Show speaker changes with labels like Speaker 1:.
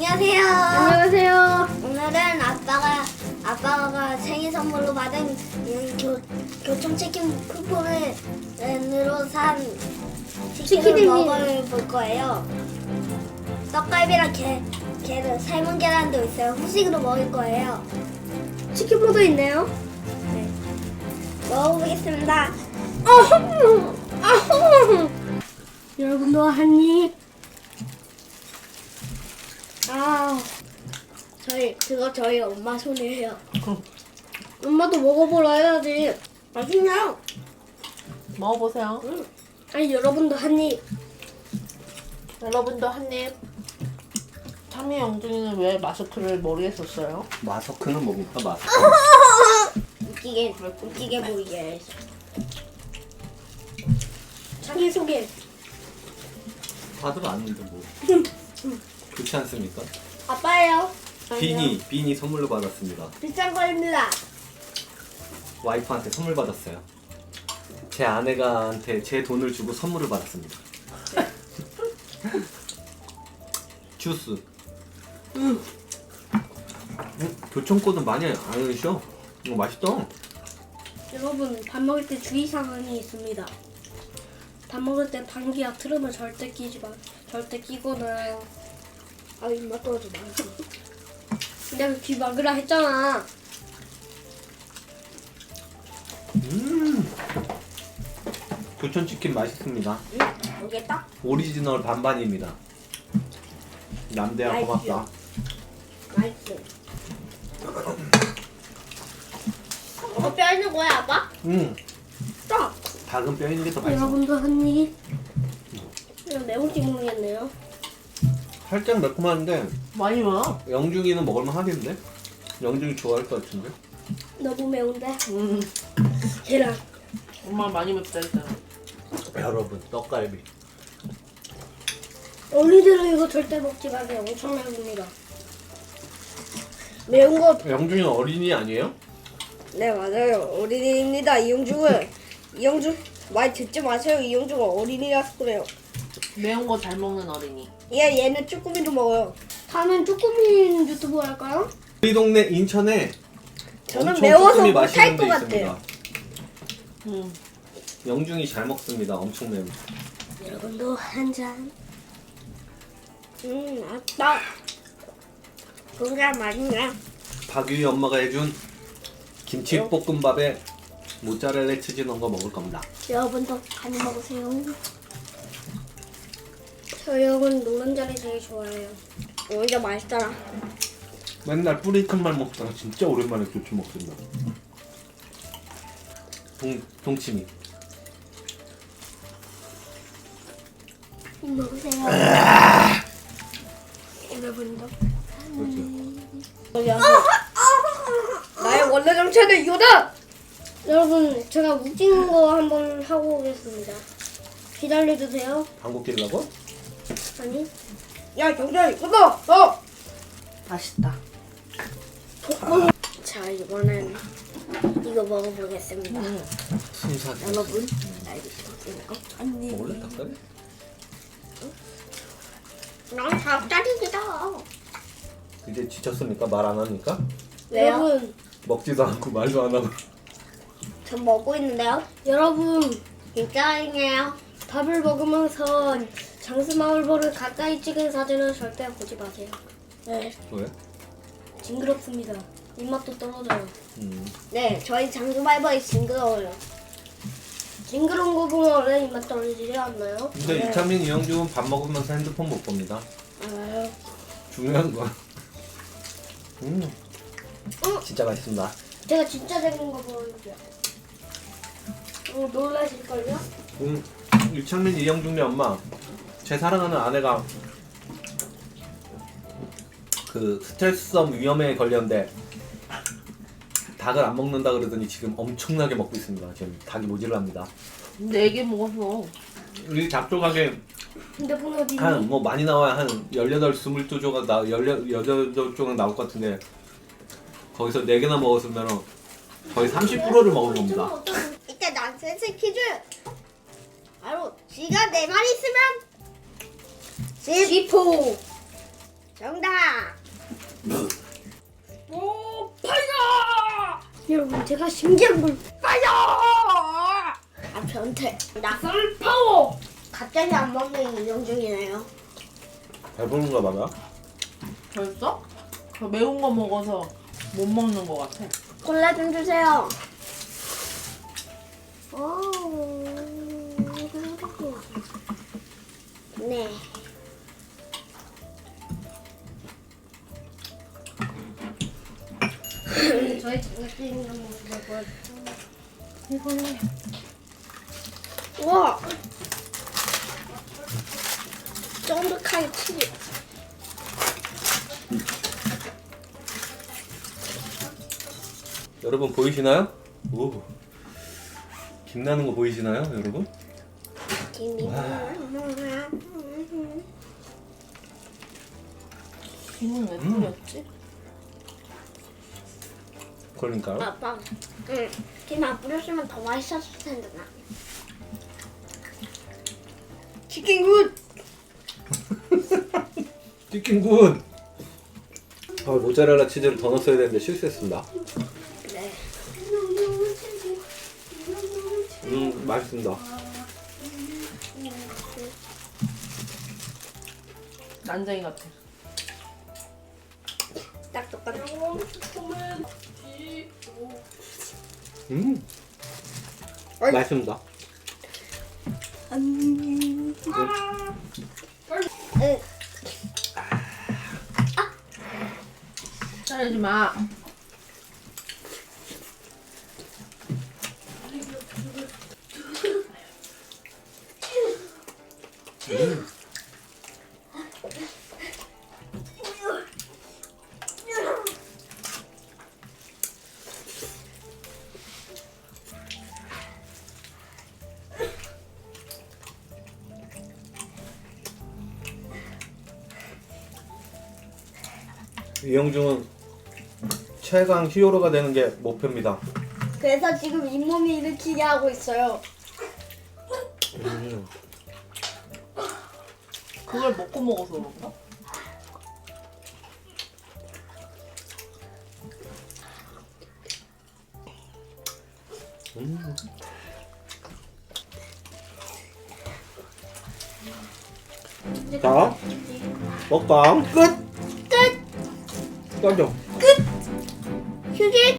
Speaker 1: 안녕하세요.
Speaker 2: 안녕하세요.
Speaker 1: 오늘은 아빠가 생일 선물로 받은 교촌치킨 쿠폰으로 산 치킨을
Speaker 2: 치킨입니다.
Speaker 1: 먹어볼 거예요. 떡갈비랑 삶은 계란도 있어요. 후식으로 먹을 거예요.
Speaker 2: 치킨모도 있네요.
Speaker 1: 네. 먹어보겠습니다.
Speaker 2: 여러분도 한 입.
Speaker 1: 저희 엄마 손이에요.
Speaker 2: 엄마도 먹어보라 해야지.
Speaker 1: 맛있네요.
Speaker 3: 먹어보세요.
Speaker 2: 아니 여러분도 한 입.
Speaker 3: 여러분도 한 입. 참이 영준이는 왜 마스크를 머리에 썼어요?
Speaker 4: 마스크는 뭡니까 마스크?
Speaker 1: 웃기게 보이게 해서.
Speaker 2: 자기 소개.
Speaker 4: 다들 아는데 뭐 그렇지 않습니까?
Speaker 1: 아빠예요.
Speaker 4: 비니 선물로 받았습니다.
Speaker 1: 비싼 거입니다.
Speaker 4: 와이프한테 선물 받았어요. 제 아내가한테 제 돈을 주고 선물을 받았습니다. 주스. 교촌코는 많이 안 드셔. 이거 맛있다.
Speaker 2: 여러분 밥 먹을 때 주의 사항이 있습니다. 밥 먹을 때 방귀약 틀으면 절대 끼거나.
Speaker 1: 입맛 떨어져 나.
Speaker 2: 내가 귀 막으라 했잖아.
Speaker 4: 교촌치킨 맛있습니다.
Speaker 1: 모르겠다.
Speaker 4: 오리지널 반반입니다. 남대야 고맙다.
Speaker 1: 맛있어. 이거 뼈 있는 거야, 아빠? 딱.
Speaker 4: 닭은 뼈 있는 게 더 맛있어.
Speaker 2: 여러분도 한 입. 이거 매운지 모르겠네요.
Speaker 4: 살짝 매콤한데
Speaker 3: 많이 와.
Speaker 4: 영중이는 먹을만 하겠는데? 영중이 좋아할 것 같은데?
Speaker 2: 너무 매운데.
Speaker 3: 음,
Speaker 2: 계란.
Speaker 3: 엄마 많이 맵다 했잖아.
Speaker 4: 여러분 떡갈비
Speaker 2: 어린이들은 이거 절대 먹지 마세요. 엄청 매웁니다. 매운 거.
Speaker 4: 영중이는 어린이 아니에요?
Speaker 1: 네, 맞아요. 어린이입니다. 이영준 말 듣지 마세요. 이영준가 어린이라서 그래요.
Speaker 3: 매운 거 잘 먹는 어린이.
Speaker 1: 얘는 쭈꾸미도 먹어요.
Speaker 2: 다음엔 쭈꾸미 유튜브 할까요?
Speaker 4: 우리 동네 인천에
Speaker 1: 저는
Speaker 4: 엄청
Speaker 1: 매워서
Speaker 4: 쭈꾸미
Speaker 1: 못할
Speaker 4: 맛있는 데
Speaker 1: 것
Speaker 4: 있습니다.
Speaker 1: 같아요.
Speaker 4: 영중이 잘 먹습니다. 엄청 매운.
Speaker 2: 여러분도 한 잔.
Speaker 1: 아빠. 그게 맛있네.
Speaker 4: 박유희 엄마가 해준 김치볶음밥에 모짜렐라 치즈 넣은 거 먹을 겁니다.
Speaker 2: 여러분도 많이 먹으세요. 저 여러분 노른자를 되게 좋아해요.
Speaker 1: 진짜 맛있잖아.
Speaker 4: 맨날 뿌리큰만 먹다가 진짜 오랜만에 교촌 먹습니다. 동치미.
Speaker 2: 먹으세요. 여러분도.
Speaker 4: 그렇지.
Speaker 1: 나의 원래 정체는 이거다.
Speaker 2: 여러분 제가 웃긴 거 한번 하고 오겠습니다. 기다려주세요.
Speaker 4: 방구 끼려고?
Speaker 2: 아니
Speaker 1: 야, 경찰 이거다.
Speaker 3: 맛있다.
Speaker 1: 자, 이번엔 이거 먹어보겠습니다.
Speaker 4: 순삭이.
Speaker 1: 여러분, 나 이거 먹을까? 아니.
Speaker 4: 먹을래 닭다리?
Speaker 1: 난 닭다리기다.
Speaker 4: 이제 지쳤습니까? 말 안 하니까?
Speaker 1: 왜요?
Speaker 2: 여러분
Speaker 4: 먹지도 않고 말도 안 하고.
Speaker 1: 전 먹고 있는데요.
Speaker 2: 여러분
Speaker 1: 진짜이네요.
Speaker 2: 밥을 먹으면서 장수마을보를 가까이 찍은 사진은 절대 보지 마세요. 네,
Speaker 4: 왜?
Speaker 2: 징그럽습니다. 입맛도 떨어져요.
Speaker 1: 네, 저희 장수발벌이 징그러워요.
Speaker 2: 징그러운 거 보면 원래 입맛 떨어지지 않나요?
Speaker 4: 근데 이창민, 이영준 밥 먹으면서 핸드폰 못 봅니다.
Speaker 2: 알아요.
Speaker 4: 중요한 건. 진짜 맛있습니다.
Speaker 2: 제가 진짜 재밌는 거 보여줄게요. 놀라실걸요?
Speaker 4: 이창민, 이영준의 엄마. 제 사랑하는 아내가 그 스트레스성 위염에 걸렸는데 닭을 안 먹는다 그러더니 지금 엄청나게 먹고 있습니다. 지금 닭이 모질랍니다.
Speaker 3: 4개 먹었어.
Speaker 4: 우리 닭 조각에
Speaker 2: 핸드폰 어디 있니?
Speaker 4: 한 뭐 많이 나와야 한 18, 22조각 18조각 나올 것 같은데 거기서 4개나 먹었으면 거의 30%를 먹은 겁니다.
Speaker 1: 이때 난센스 퀴즈. 바로 쥐가 4마리 있으면
Speaker 2: 지포.
Speaker 1: 정답.
Speaker 2: 여러분 제가 신기한 걸
Speaker 1: 아 변태. 나
Speaker 2: 썰 파워.
Speaker 1: 갑자기 안 먹는 이정 중이네요.
Speaker 4: 배부른가 봐요.
Speaker 3: 벌써? 저 매운 거 먹어서 못 먹는 거 같아.
Speaker 1: 콜라 좀 주세요. 오. 네.
Speaker 2: 저희 장난기는 거 먹어요.
Speaker 3: 이걸로.
Speaker 1: 우와. 쫀득하게 치즈.
Speaker 4: 여러분 보이시나요? 오. 김나는 거 보이시나요, 여러분?
Speaker 1: 김이.
Speaker 3: 김은 왜 뿌렸지?
Speaker 4: 그러니까요.
Speaker 1: 아빠. 응. 김 안 뿌렸으면 더 맛있었을 텐데 나. 치킨 굿.
Speaker 4: 치킨 군. 모짜렐라 치즈를 더 넣었어야 되는데 실수했습니다.
Speaker 1: 네.
Speaker 4: 맛있습니다.
Speaker 3: 난쟁이 같아.
Speaker 1: 딱 똑같아.
Speaker 4: 맛있습니다.
Speaker 1: 응.
Speaker 3: 자르지 마.
Speaker 4: 이영중은 최강 히어로가 되는 게 목표입니다.
Speaker 1: 그래서 지금 잇몸이 일으키게 하고 있어요.
Speaker 3: 그걸 먹고 먹어서 그런가?
Speaker 4: 자, 먹방 끝.
Speaker 1: 끝.
Speaker 4: 꺼져.
Speaker 1: 휴지.